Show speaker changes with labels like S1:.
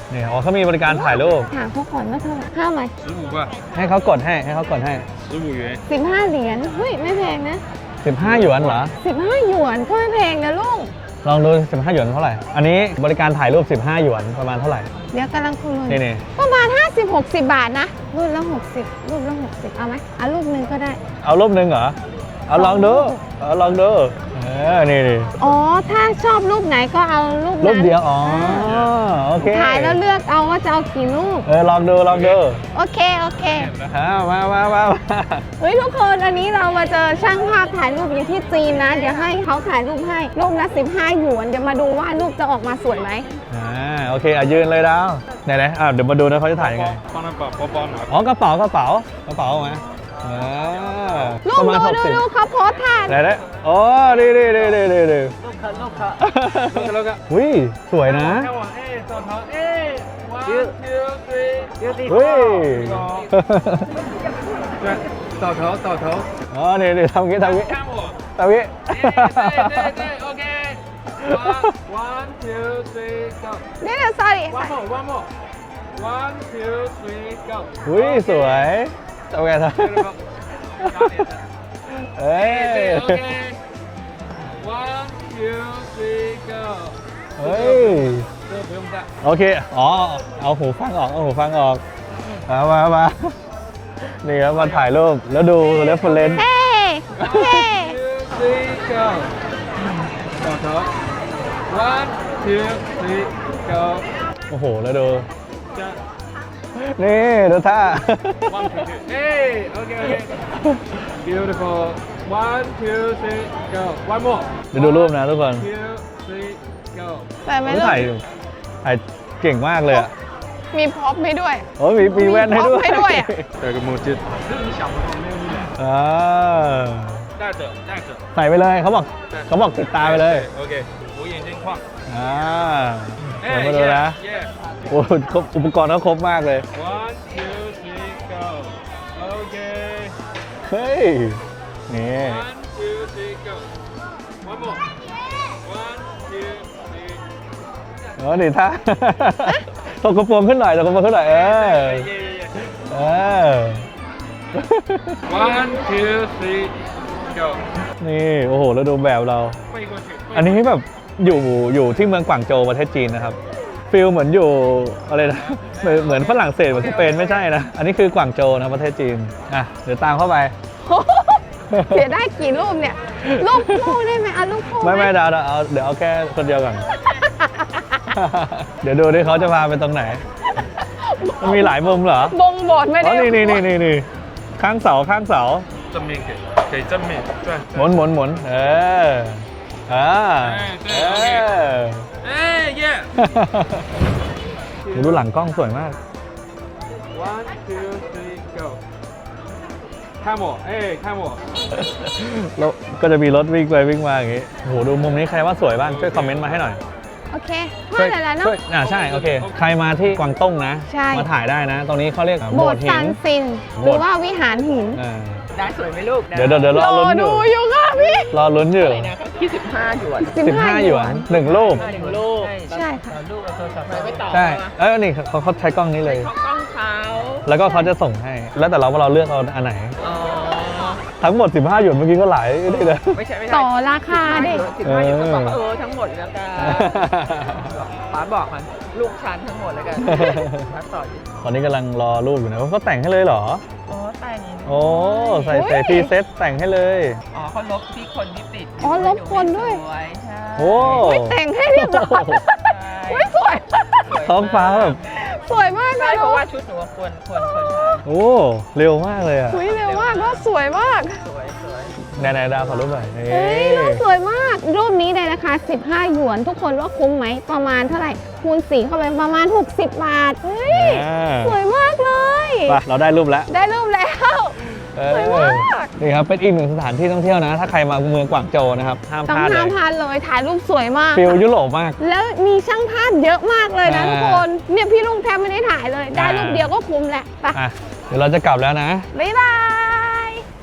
S1: นี่อ๋อเขามีบริการถ่ายรูป
S2: ถามเขาก่อนว่าเท่าไหร่ห้าไหม
S3: 15 吧
S1: ให้เขากดให้
S3: 15元
S2: 15 เหรียญเฮ้ยไม่แพงนะ
S1: 15 หยวนเหรอ
S2: 15 หยวนก็ไม่แพงนะลูก
S1: ลองดู15 หยวนเท่าไหร่อันนี้บริการถ่ายรูป15 หยวนประมาณเท่าไหร่
S2: เดี๋ยวกำลังคุย
S1: นี่
S2: ประมาณ50-60 บาทนะรูปละ60เอาไหมเอารูปนึงก็ได้
S1: เอารูปนึงเหรอเอาลองดูนี่
S2: อ๋อถ้าชอบรูปไหนก็เอารูปนั้น
S1: รูปเดียวอ๋อโอเค
S2: ถ่ายแล้วเลือกเอาว่าจะเอากี่รูป
S1: ลองดู
S2: โอเค
S1: มา
S2: เฮ้ยทุกคนอันนี้เรามาเจอช่างภาพถ่ายรูปอยู่ที่จีนนะเดี๋ยวให้เขาถ่ายรูปให้รูปละ15 หยวนเดี๋ยวมาดูว่ารูปจะออกมาสวยไหม
S1: โอเคยืนเลยดาวไหนเดี๋ยวมาดูนะเขาจะถ่ายยังไงอ๋อกระเป๋าไหม
S2: ลูกดูเขาโพสท่า
S1: ไหนโอ้ดีลูกค่ะอุ้ยสวยนะ
S3: ต่อเท้า
S1: อ๋อนี่ทำงี้
S3: โอเค one two three go
S2: เดี๋ยว sorry
S3: one more one two three go
S1: อุ้ยสวยทำไงเอ้ย
S3: โอเค one two three go
S1: เฮ้ยโอเคอ๋อเอาหูฟังออกมานี่ครับมาถ่ายรูปแล้วดูเรฟเฟอเรนซ์
S3: ต่อเท้า one two three go
S1: โอ้โหแล้วดูนี่ดูท่า
S3: one two three โอเค beautiful one two three go one more
S1: เดี๋ยวดูรูปนะทุกคน
S3: one two three go
S2: แต่ไม่
S1: ถ่ายเก่งมากเลยอ่ะ
S2: มีพ็อปให้ด้วย
S1: โอ้มีแว่นให้ด้วย
S3: 这个墨镜戴着
S1: ใส่ไปเลยเขาบอกติดตาไปเลย
S3: โอเคหู眼睛框
S1: เดี๋ยวมาดูนะโอ้อุปกรณ์เขาครบมากเลย
S3: one two three go โอเค
S1: เฮ้ยนี่
S3: one two three go one more one two three
S1: นี่ท่าตกกระโปรงขึ้นหน่อย
S3: one two three go
S1: นี่โอ้โหแล้วดูแบบเราอันนี้แบบอยู่ที่เมืองกวางโจวประเทศจีนนะครับฟีลเหมือนอยู่อะไรนะเหมือนฝรั่งเศสเหมือนสเปนไม่ใช่นะอันนี้คือกวางโจวนะประเทศจีนเดี๋ยวตามเข้าไป
S2: เสียได้กี่รูปเนี่ยรูปคู่ได้ไหมรูปคู่
S1: ไม่เดี๋ยวเอาแค่คนเดียวก่อนเดี๋ยวดูดิเขาจะพาไปตรงไหนมันมีหลายมุมเหรอบ
S2: งบทไม่ได้
S1: นี่ข้างเสา
S3: 正面给正面
S1: หมุนดูหลังกล้องสวยมาก
S3: one two three go 看我
S1: แล้วก็จะมีรถวิ่งไปวิ่งมาอย่างงี้โหดูมุมนี้ใครว่าสวยบ้างช่วยคอมเมนต์มาให้หน่อย
S2: โอเคช่วยแล้วเนาะ
S1: ใช่โอเคใครมาที่กวางตุ้งนะมาถ่ายได้นะตรงนี้เขาเรียก
S2: โบสถ์ซานซินหรือว่าวิหารหิน
S4: ได้สวยไหมลูก
S1: เดี๋ยวรอลุ้น
S2: อยู่ค่ะพี่
S1: รอลุ้นอยู่
S4: ที่15 หยวน
S1: 15 หยวน1 รูป
S2: ใช่ค่ะ
S4: ลูกเอาโทรศัพท์ไปต่อ
S1: ใช่นี่เขาใช้กล้องนี้เลย
S4: กล้องเขา
S1: แล้วก็เขาจะส่งให้แล้วแต่เราเลือกเอาอันไหนทั้งหมด15 หยวนเมื่อกี้ก็หลายนี่เลย
S4: ไม่ใช่
S2: ต่อราคาดิ
S4: 15 หยวนก็บอกทั้งหมดแล้วกันป๋าบอกมันลูกชันทั้งหมดแล้วกัน
S1: ตอนนี้กำลังรอรูปอยู่นะเขาแต่งให้เลยเหรอ
S4: แต่ง
S1: ใส่พรีเซตแต่งให้เลย
S4: เขาลบที่คนที่ติด
S2: ลบคนด้วย
S1: โอ้
S2: แต่งให้เรียบร้อยสวย
S1: ท้องฟ้าแบบ
S2: สวยมากเลย
S4: เพราะว่าชุดหนูควร
S1: เร็วมากเลย
S2: เร็วมากก็สวยมาก
S1: ไหนดาวขอรูปหน่อย
S2: รูปสวยมากรูปนี้ในราคา15 หยวนทุกคนว่าคุ้มไหมประมาณเท่าไหร่คูณ4เข้าไปประมาณ60 บาทสวยมากเลย
S1: เราได้รูปแล้ว
S2: สวยมาก
S1: นี่ครับเป็นอีกหนึ่งสถานที่ท่องเที่ยวนะถ้าใครมาเมืองกวางโจวนะครับห้ามพลาด
S2: เลยถ่ายรูปสวยมาก
S1: ฟิลยุโรปมาก
S2: แล้วมีช่างภาพเยอะมากเลยนะทุกคนเนี่ยพี่ลุงแทบไม่ได้ถ่ายเลยได้รูปเดียวก็คุ้มแหละ
S1: เดี๋ยวเราจะกลับแล้วนะ
S2: บ๊ายบาย